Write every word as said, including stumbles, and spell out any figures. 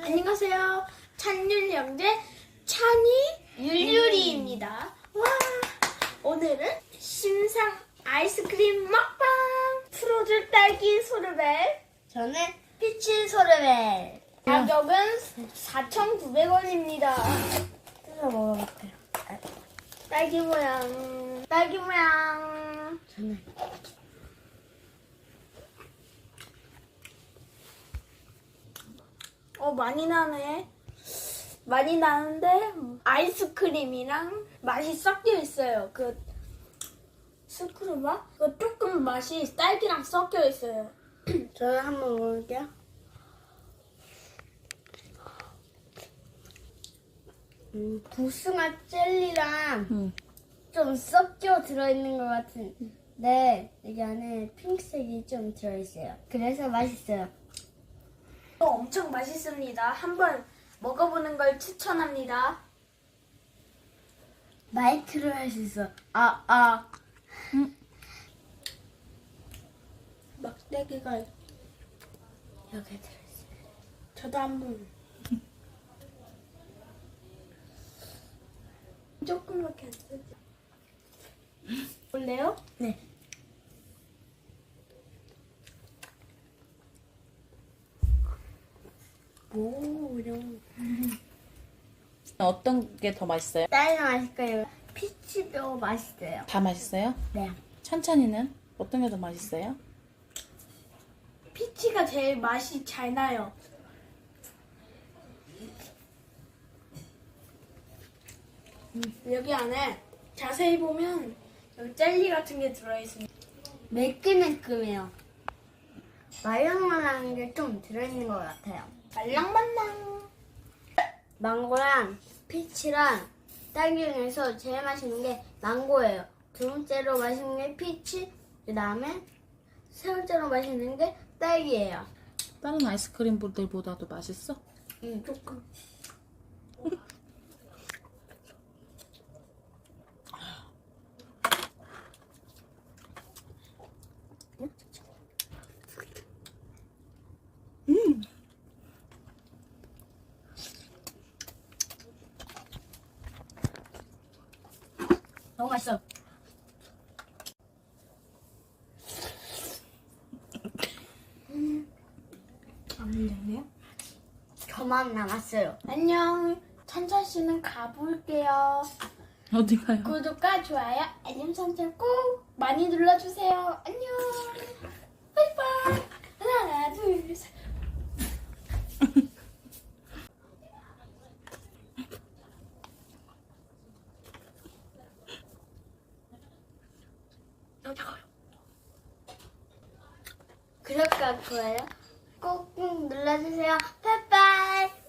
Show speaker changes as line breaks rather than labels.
안녕하세요. 찬율 형제 찬이 율율이입니다. 와, 오늘은 신상 아이스크림 먹방. 프로즈 딸기 소르벨.
저는 피치 소르벨.
가격은 사천구백 원입니다.
뜯어 먹어볼게요.
딸기 모양. 딸기 모양.
저는
어, 많이 나네. 많이 나는데 아이스크림이랑 맛이 섞여 있어요. 그 스크루바? 그 조금 맛이 딸기랑 섞여 있어요.
저는 한번 먹어볼게요. 음, 복숭아 젤리랑
응.
좀 섞여 들어있는 것 같은데 여기 안에 핑크색이 좀 들어있어요. 그래서 맛있어요.
또 엄청 맛있습니다. 한번 먹어보는 걸 추천합니다.
마이크로 할 수 있어. 아, 아.
막대기가
여기 들어있어요.
저도 한번 조금밖에 안 쓰지. 볼래요?
네. 오, 이런.
어떤 게 더 맛있어요?
딸기 맛있고요. 피치도 맛있어요.
다 맛있어요?
네.
천천히는 어떤 게 더 맛있어요?
피치가 제일 맛이 잘 나요. 음, 여기 안에 자세히 보면 여기 젤리 같은 게 들어있습니다.
매끈매끈해요. 말랑말랑한 게 좀 들어있는 것 같아요.
말랑말랑.
망고랑 피치랑 딸기 중에서 제일 맛있는 게 망고예요. 두 번째로 맛있는 게 피치, 그 다음에 세 번째로 맛있는 게 딸기예요.
다른 아이스크림들보다도 맛있어?
음, 조금. 너무 맛있어.
안 밀렸네요.
저만 남았어요.
안녕. 찬찬 씨는 가볼게요.
어디 가요?
구독과 좋아요, 알림 설정 꼭 많이 눌러주세요. 안녕. 바이바이. 하나, 둘, 셋.
구독과 좋아요 꼭 눌러주세요.